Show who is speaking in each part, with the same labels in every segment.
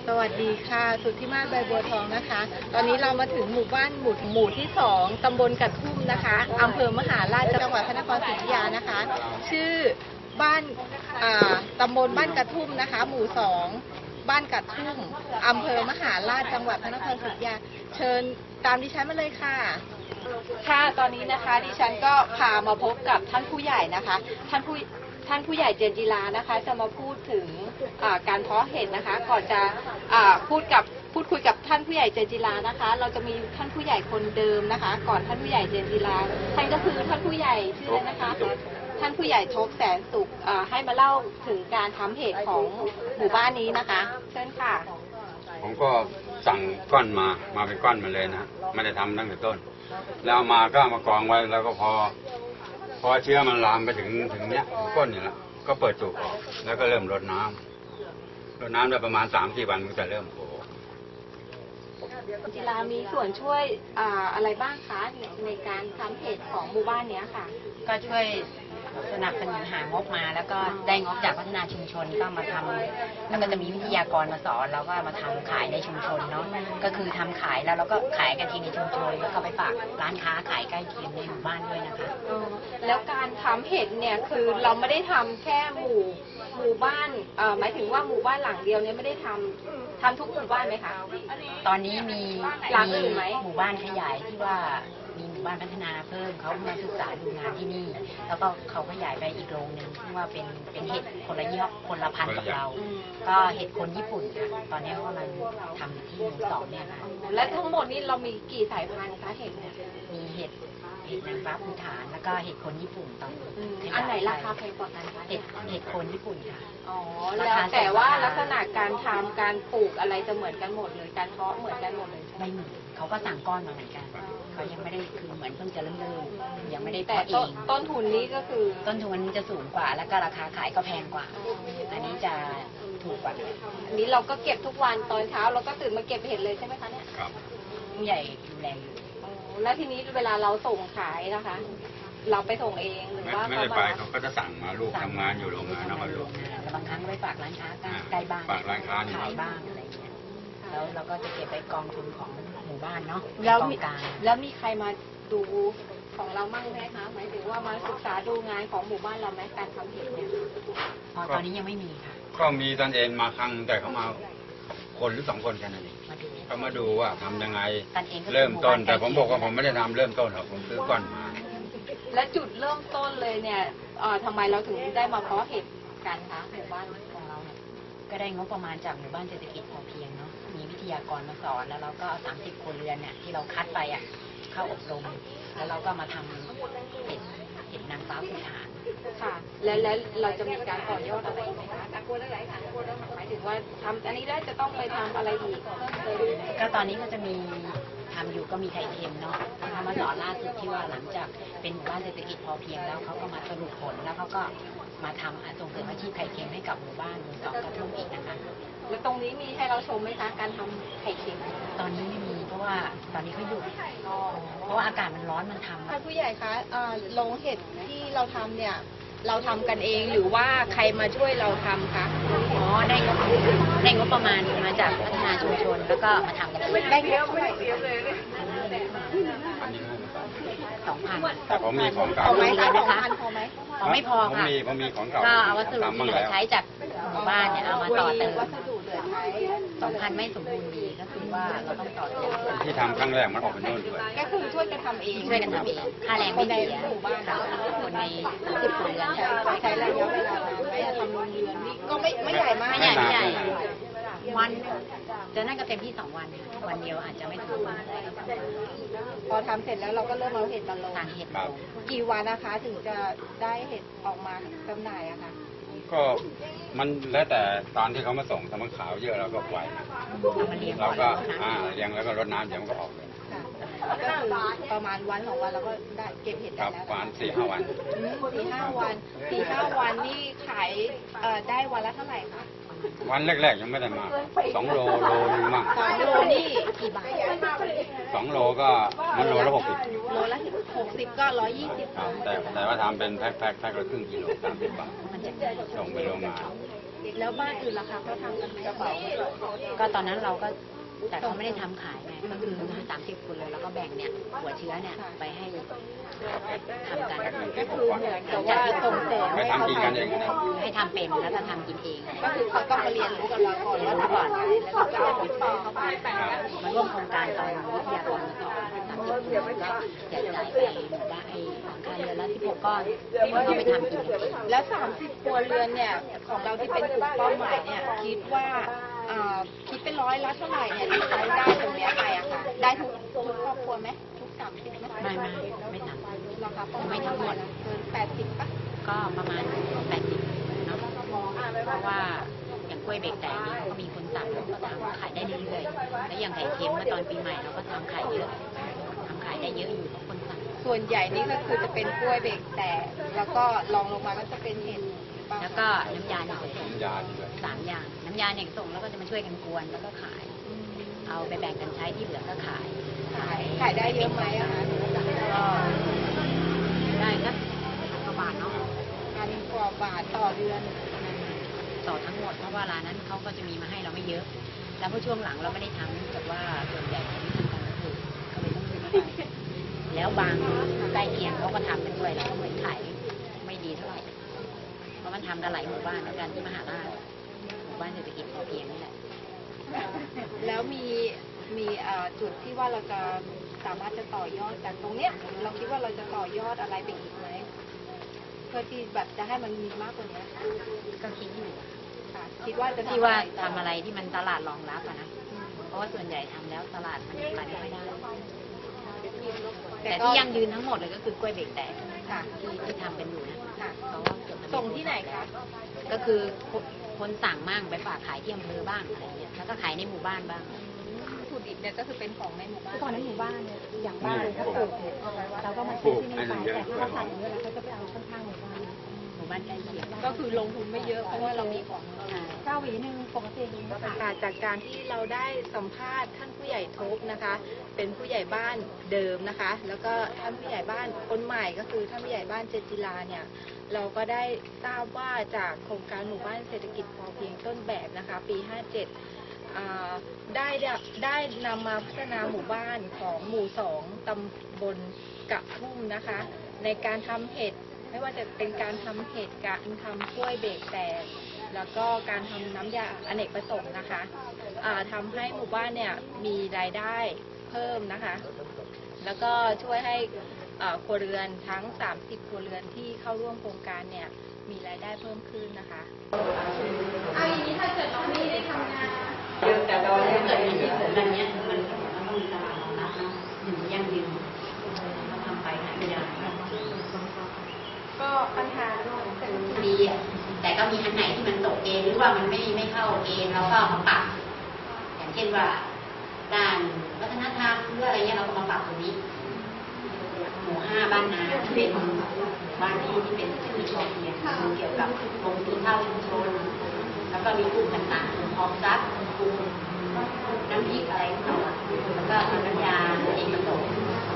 Speaker 1: สวัสดีค่ะสุทธิมาศใบบัวทองนะคะ ตอนนี้เรามาถึงหมู่บ้านหมู่ที่2ตำบลกระทุ่มนะคะอำเภอมหาราชจังหวัดพระนครศรีอยุธยานะคะ ชื่อบ้านตำบลบ้านกระทุ่มนะคะ หมู่2บ้านกระทุ่มอำเภอมหาราชจังหวัดพระนครศรีอยุธยาเชิญตามดิฉันมาเลยค่ะค่ะตอนนี้นะคะดิฉันก็พามาพบกับท่านผู้ใหญ่นะคะท่านผู้ใหญ่เจนจิลานะคะจะมาพูดถึงการเพาะเห็ดนะคะก่อนจะพูดคุยกับท่านผู้ใหญ่เจนจิลานะคะเราจะมีท่านผู้ใหญ่คนเดิมนะคะ ก่อนท่านผู้ใหญ่เจนจิลาท่านก็คือท่านผู้ใหญ่ชื่ออะไรนะคะท่านผู้ใหญ่ทบแสนสุขให้มาเล่าถึงการทำเห็ดของหมู่บ้านนี้นะคะเชิญค่ะ
Speaker 2: ผมก็สั่งก้อนมาเป็นก้อนมาเลยนะไม่ได้ทำตั้งแต่ต้นแล้วเอามาก็เอามากองไว้แล้วก็พอเชื้อมันลามไปถึงเนี้ยก้นอยู่แล้วก็เปิดตูกออกแล้วก็เริ่มรดน้ำได้ประมาณ3-4 วันมันจะเริ่มโผล่
Speaker 1: จิรามีส่วนช่วยอะไรบ้างคะในการทำเห็ดของหมู่บ้านเนี้ยค่ะ
Speaker 3: ก็ช่วยสนับสนุนหางบมาแล้วก็ได้งบจากพัฒนาชุมชนก็มาทำแล้วก็จะมีวิทยากรมาสอนแล้วก็มาทำขายในชุมชนเนาะก็คือทำขายแล้วเราก็ขายกันทีในชุมชนแล้วก็ไปฝากร้านค้าขายใกล้เคียงในหมู่บ้านด้วยนะคะ
Speaker 1: แล้วการทำเห็ดเนี่ยคือเราไม่ได้ทำแค่หมู่บ้านหมายถึงว่าหมู่บ้านหลังเดียวเนี่ยไม่ได้ทำทุกหมู่บ้านไหมคะ
Speaker 3: ตอนนี้มี
Speaker 1: หลังอื่นไหม
Speaker 3: หมู่บ้านขยายที่ว่ามีหมู่บ้านพัฒนาเพิ่มเขามาศึกษาดูงานที่นี่แล้วก็เขาขยายไปอีกโรงหนึ่งที่ว่าเป็นเห็ดคนละยี่ห้อคนละพันธุ์กับเราก็เห็ดคนญี่ปุ่นค่ะตอนนี้เขากำลังทำที่หมู่2เนี่ยค่ะ
Speaker 1: และทั้งหมดนี้เรามีกี่สายพันธุ์คะเห็ดเนี่ย
Speaker 3: มีเห็ดนางฟ้าภูฐานแล้วก็เห็ดคนญี่ปุ่นตอน
Speaker 1: อันไหนราคาแพงกว่ากันคะ
Speaker 3: เห็ดคนญี่ปุ่นค่ะ
Speaker 1: อ๋อแล้วแต่ว่าลักษณะการทำการปลูกอะไรจะเหมือนกันหมดเลยการเพาะเหมือนกันหมดเลย
Speaker 3: ไม่เหมือนเขาก็สั่งก้อนมาเหมือนกันเขายังไม่ได้คือเหมือนเพิ่งจะเริ่มยังไม่ได้เพาะเอง
Speaker 1: ต้นทุนนี้ก็คือ
Speaker 3: ต้นทุนนี้จะสูงกว่าแล้วก็ราคาขายก็แพงกว่าอันนี้จะถูกกว่า
Speaker 1: อันนี้เราก็เก็บทุกวันตอนเช้าเราก็ตื่นมาเก็บเห็ดเลยใช่ไหมคะเนี่ย
Speaker 2: ครับ
Speaker 3: ผู้ใหญ่ดูแลอยู่
Speaker 1: แล้วทีนี้เวลาเราส่งขายนะคะ เราไปส่งเองหรือว่า
Speaker 2: ไม่ได้ไปเขาก็จะสั่งมาลูกทำงานอยู่โรงงานนะครับลูก
Speaker 3: แต่บางครั้งไปฝากร้านค้าใกล้บ้าน
Speaker 2: ฝากร้านค้า
Speaker 3: ขายบ้างอะไรเงี้ยแล้วเราก็จะเก็บไปกองทุนของหมู่บ้านเนาะ
Speaker 1: แล้วมีใครมาดูของเรามั่งไหมคะหมายถึงว่ามาศึกษาดูงานของหมู่บ้านเราไหมการทำเห็ดเนี่ย
Speaker 3: ตอนนี้ยังไม่มีค่ะ
Speaker 2: ก็มีตอนเองมาครั้งแต่เขามาคนหรือ2 คนแค่นั้นเองเขามาดูว่าทำยังไงเริ่มต้นแต่ผมบอกว่าผมไม่ได้ทำเริ่มต้นหรอกผมซื้อก้อนมา
Speaker 1: และจุดเริ่มต้นเลยเนี่ยทำไมเราถึงได้มาเพาะเห็ดกันคะหมู่บ้านของเราเนี่ย
Speaker 3: ก็ได้งบประมาณจากหมู่บ้านเศรษฐกิจพอเพียงเนาะมีวิทยากรมาสอนแล้วเราก็30 ครัวเรือนเนี่ยที่เราคัดไปเข้าอบรมแล้วเราก็มาทำเห็ดนางฟ้าภูฐาน
Speaker 1: ค่ะแล้วเราจะมีการต่อยอดอะไรไหมคะกลัวอะไรคะกลัวหมายถึงว่าทำอันนี้ได้จะต้องไปทำอะไรอีก
Speaker 3: ก็ตอนนี้ก็จะมีทำอยู่ก็มีไข่เค็มเนาะทำมาสอนล่าสุดที่ว่าหลังจากเป็นหมู่บ้านเศรษฐกิจพอเพียงแล้วเขาก็มาสรุปผลแล้วเขาก็มาทำส่งเสริมอาชีพไข่เค็มให้กับหมู่บ้านหมู่2กระทุ่มอีกนะคะ
Speaker 1: แล้วตรงนี้มีให้เราชมไหมคะการทำไข่เค็ม
Speaker 3: ตอนนี้ไม่มีเพราะว่าตอนนี้เขาหยุดเพราะว่าอากาศมันร้อนมันทำ
Speaker 1: ท่านผู้ใหญ่คะโรงเห็ดที่เราทำเนี่ยเราทำกันเองหรือว่าใครมาช่วยเราทำคะ
Speaker 3: ได้งบประมาณมาจากพัฒนาชุมชนแล้วก็มาทำกัน
Speaker 1: ได้เยอะไม่เยอะเลย
Speaker 3: 2,000
Speaker 2: แต่ผมมีของเก่า
Speaker 1: พอไหมคะ2,000พอไหม
Speaker 3: ไม่พอค่ะ
Speaker 2: ผมมีของเก่า
Speaker 3: ก็เอาวัสดุที่เหลือใช้จากหมู่บ้านเนี่ยเอามาต่อเติม2,000ไม่สมบูรณ์ดีก็คือว่าเราต้องต่อเติม
Speaker 2: ที่ทำครั้งแรกมันออกเป็นโน่นด้วย
Speaker 1: ก็คือช่วยกันทำเอง
Speaker 3: ค่าแรงไม่เสียค่ะคนใน30 ครัวเรือน
Speaker 1: ใช้ระยะเวลาไม่ทำโรงเรือนนี่ก็ไม่ใหญ่มาก
Speaker 3: ไม่ใหญ่วันจะนั่นก็เต็มที่2 วันวันเดียวอาจจะไม่ถึง
Speaker 1: พอทำเสร็จแล้วเราก็เริ่มเอาเห็ดมาลงกี่วันนะคะถึงจะได้เห็ดออกมาจำหน่ายอะคะ
Speaker 2: ก็มันแล้วแต่ตอนที่เขามาส่งถ้ามันขาวเยอะเราก็ปล่อยเราก็เลี้ยงแล้วก็รดน้ำเดี๋ยวมันก็ออกเลย
Speaker 1: ก็คือประมาณวัน2 วันเราก็ได้เก็บเห็ดได้แล้ว
Speaker 2: ประมาณ4-5 วัน
Speaker 1: 4-5 วันนี่ขายได้วันละเท่าไหร่คะ
Speaker 2: วันแรกๆยังไม่ได้มาก2 โลนึงมั่ง
Speaker 1: 2 โลนี่กี่บาท
Speaker 2: 2 โลก็มันโลละ
Speaker 1: 60โลละ60ก็120
Speaker 2: แต่ว่าทำเป็นแพ็คละครึ่งกิโล30 บาทส่งไปโรงงาน
Speaker 1: แล้วบ้านอื่นล่ะคะเขาทำกันไหมกระเป๋า
Speaker 3: ก็ตอนนั้นเราก็แต่เขาไม่ได้ทำขายไงก็คือ30 คนเลยแล้วก็แบ่งเนี่ยหัวเชื้อเนี่ยไปให้ทำกัน
Speaker 1: ก็คือเหมือนกับว่าส่งเสริมให้เขาทำ
Speaker 3: ให้ทำเป็นแล้วก็ทำกินเอง
Speaker 1: ก็คือเขาต้องมาเรียนรู้กับเราก่อนว่าทำยังไงแล้วก็เอาไปสอนเขาไป
Speaker 3: มาร่วมโครงการตอนวิทยากรมาสอน30 คนก็แจกจ่ายไปหมู่บ้านไอ้หลังคาเรือนละ16 ก้อนแล้วก็ไปทำกินกันเอง
Speaker 1: แล้ว30 ครัวเรือนเนี่ยของเราที่เป็นกลุ่มเป้าหมายเนี่ยคิดว่าคิดเป็นร้อยละเท่าไหร่เนี่ยที่เขาได้ตรงเนี้ยไปอะค่ะได้ทุกครอบครัวไหมทุก30ไหม
Speaker 3: ไม่ทำ
Speaker 1: ราคาเป้าห
Speaker 3: ไม่
Speaker 1: มาย
Speaker 3: ทั้งหมด
Speaker 1: เกิน80ป่ะ
Speaker 3: ก็ประมาณ80เนาะเพราะว่าอย่างกล้วยเบรกแตกนี่เขาก็มีคนสั่งเราก็ทำขายได้เรื่อยๆแล้วอย่างไข่เค็มเมื่อตอนปีใหม่เราก็ทำขายเยอะทำขายได้เยอะอยู่เพราะคนสั่ง
Speaker 1: ส่วนใหญ่นี่ก็คือจะเป็นกล้วยเบรกแตกแล้วก็รองลงมาก็จะเป็นเห็ดหรือเปล่า
Speaker 3: แล้วก็น้ำยาเนี่ยส่ง
Speaker 2: น้ำยาด้วย
Speaker 3: 3 อย่างน้ำยาเนี่ยส่งแล้วก็จะมาช่วยกันกวนแล้วก็ขาย เอาไปแบ่งกันใช้ที่เหลือก็ขาย
Speaker 1: ขายได้เยอะไหมอะคะ
Speaker 3: ก็ได้สัก1,000 กว่าบาทเนาะ
Speaker 1: 1,000 กว่าบาทต่อเดือน
Speaker 3: ต่อทั้งหมดเพราะว่าร้านนั้นเขาก็จะมีมาให้เราไม่เยอะ แล้วพอช่วงหลังเราไม่ได้ทำเนื่องจากว่าส่วนใหญ่เขาไม่ทำกันก็คือก็เลยต้องซื้อมาไปแล้วบางใกล้เคียงเขาก็ทำกันด้วยแล้วก็เหมือนขายไม่ดีเท่าไหร่เพราะมันทำกันหลายหมู่บ้านเหมือนกันที่มหาราชหมู่บ้านเศรษฐกิจพอเพียงนี่แหละ
Speaker 1: แล้วมีจุดที่ว่าเราจะสามารถจะต่อยอดจากตรงเนี้ยเราคิดว่าเราจะต่อยอดอะไรไปอีกไหมเพื่อที่แบบจะให้มันมีมากกว่านี้
Speaker 3: ก็คิดอยู่
Speaker 1: ค่ะคิดว่าจะ
Speaker 3: ที่ว่า
Speaker 1: ทำ
Speaker 3: ทำอะไรที่มันตลาดรองรับอะนะเพราะว่าส่วนใหญ่ทำแล้วตลาดมันไปไม่ค่อยได้ แต่ที่ยั่งยืนทั้งหมดเลยก็คือกล้วยเบรกแตก
Speaker 1: ค่ะ
Speaker 3: ที่ทำเป็นอยู่นะ
Speaker 1: ค่ะ
Speaker 3: เพราะว่าเกือบจะม่
Speaker 1: ส่งที่ไหนคะ
Speaker 3: ก็คือคนสั่งมั่งไปฝากขายที่อำเภอบ้างอะไรเงี้ยแล้วก็ขายในหมู่บ้านบ้าง
Speaker 1: วัตถุดิบเนี่ยก็คือเป็นของในหมู่บ้าน
Speaker 4: ก่อนในหมู่บ้านเนี่ยอย่างบ้านเลยเขาปลูกเนี่ยเราก็มาซื้อที่นี่ไปแต่ถ้าเขาสั่งเยอะแล้วเขาจะไปเอาข้างๆหมู่บ้าน
Speaker 3: หมู่บ้านใกล้เคียง
Speaker 1: ก็คือลงทุนไม่เยอะเพราะว่าเรามีของ
Speaker 4: เจ้าหวีหนึ่งปกติก็ขาย
Speaker 1: ค่ะจากการที่เราได้สัมภาษณ์ท่านผู้ใหญ่ทบนะคะ เป็นผู้ใหญ่บ้านเดิมนะคะ แล้วก็ท่านผู้ใหญ่บ้านคนใหม่ก็คือท่านผู้ใหญ่บ้านเจนจิลาเนี่ยเราก็ได้ทราบว่าจากโครงการหมู่บ้านเศรษฐกิจพอเพียงต้นแบบนะคะปี 57ได้นำมาพัฒนาหมู่บ้านของหมู่ 2 ตำบลกะทุ่มนะคะ ในการทำเห็ดไม่ว่าจะเป็นการทำเห็ดการทำกล้วยเบรกแตกแล้วก็การทำน้ำยาอเนกประสงค์นะคะทำให้หมู่บ้านเนี่ยมีรายได้เพิ่มนะคะ แล้วก็ช่วยให้ครัวเรือนทั้ง30ครัวเรือนที่เข้าร่วมโครงการเนี่ยมีรายได้เพิ่มขึ้นนะคะเอาอย่างนี้ถ้าเกิดน้องนี่ได้ทำงาน
Speaker 3: แต่ตอนนี้เกิดมีที่ผมแบบนี้มันต้องมีตลาดรองรับนะถึงยั่งยืนเราทำไปหาไม่ได้
Speaker 1: ก็ปัญหา
Speaker 3: ดีอ่ะแต่ก็มีอันไหนที่มันตกเกณฑ์หรือว่ามันไม่เข้าเกณฑ์เราก็มาปรับอย่างเช่นว่าด้านวัฒนธรรมหรืออะไรเงี้ยเราก็มาปรับตรงนี้หมู่ 5 บ้านนาที่เป็นบ้านที่เป็นชื่อชมเนี่ยเกี่ยวกับกรมสีข้าวชุมชนแล้วก็มีกลุ่มต่างๆกลุ่มออมทรัพย์กลุ่มน้ำพริกอะไรต่างๆแล้วก็น้ำยาเองประสงค์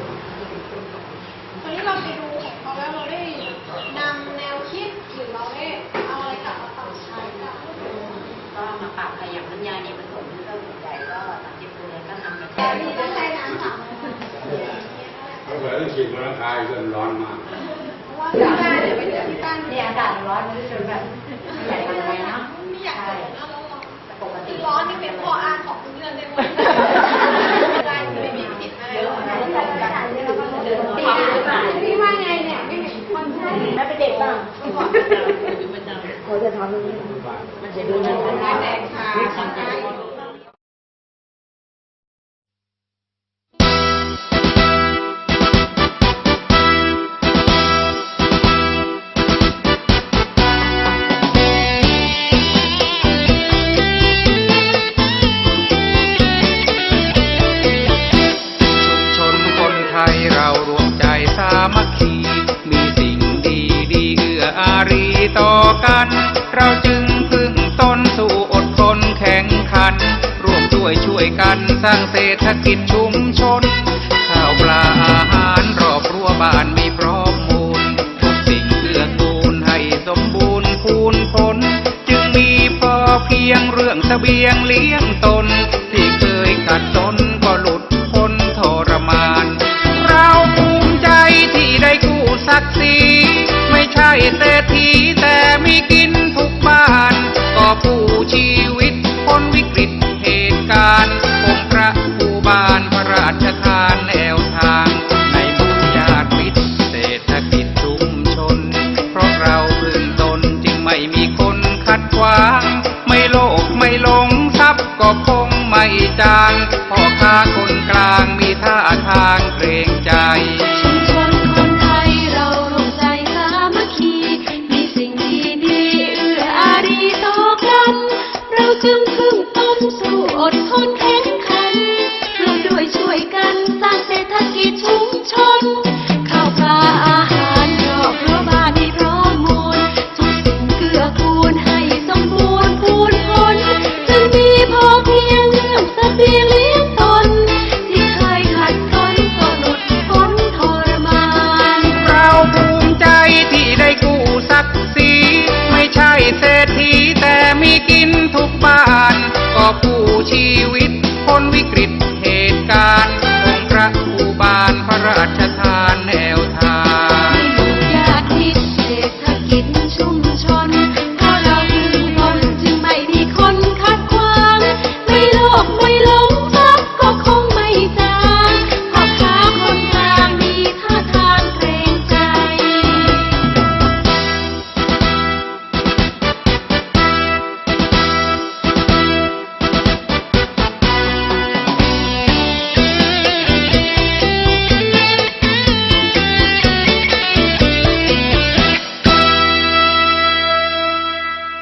Speaker 4: ตอนนี้เราไปดูของเขาแล้วเราได้นำแนวคิดหรือเราได้เอาอะไรกลับมาปรับใช้กัน
Speaker 3: ก็มาปรับขยับน้ำยาเนี่ยผสมก็ส่วนใหญ่ก็30ตัวก็ทำกัน
Speaker 4: แต่ที่ต้องใช้น้ำสาม
Speaker 2: เขาเปิดต้องฉีดมะขามจนร้อนมาก
Speaker 4: เพราะว่าที่บ้านเนี่ยไปเจอที่บ้าน
Speaker 3: นี่อากาศร้อนจนแบบใหญ่เลยเนาะ
Speaker 4: ไม่อยากเจอนะเรา
Speaker 3: ปกติ
Speaker 4: ร้อนนี่เป็นข้ออ้างของเรื่องได้หมดได้ไม่มีผิดให้
Speaker 3: เยอะนะที่ทำกันเดิน
Speaker 4: พี่ว่าไงเนี่ยไม่เห็นคนใช่แล้วเป็นเด็กบ้างเขาจะทำอย่างนี้
Speaker 3: มันจะดูน่าทานแดงค่ะ
Speaker 5: ชนคนไทยเรารวมใจสามัคคี มีสิ่งดีดีเอื้ออารีต่อกัน เราจึงพึ่งตนสู่อดทนแข่งขัน ร่วมด้วยช่วยกันสร้างเศรษฐกิจชุมชน ข้าวปลาอาหารรอบรั้วบ้านมีพร้อมมูลทุกสิ่งเกื้อกูลให้สมบูรณ์พูนผลจึงมีผพียงเรื่องเสบียงเลี้ยงตนที่เคยขัดสนก็หลุดพ้นทรมานเราภูมิใจที่ได้กู้ศักดิ์ศรีไม่ใช่เศรษฐีแต่มีกินทุกบ้านก็ผู้ชีวิตพ้นวิกฤตเหตุการณ์องค์พระผู้บานพระราชทานแนวทางในหมู่ญาติมิตรเศรษฐกิจชุมชนเพราะเราพึ่งตนจึงไม่มีคนขัดขวางไม่โลภไม่หลงทรัพย์ก็คงไม่จางพ่อค้าคนกลางมีท่าทางเกรงใจ
Speaker 4: ชุมชนคนไทยเราร่วมใจสามัคคีมีสิ่งดีๆเอื้ออารีต่อกันเราจึงพึ่งตนสู้อดทนแข็งขันร่วมด้วยช่วยกันสร้างเศรษฐกิจชุมชน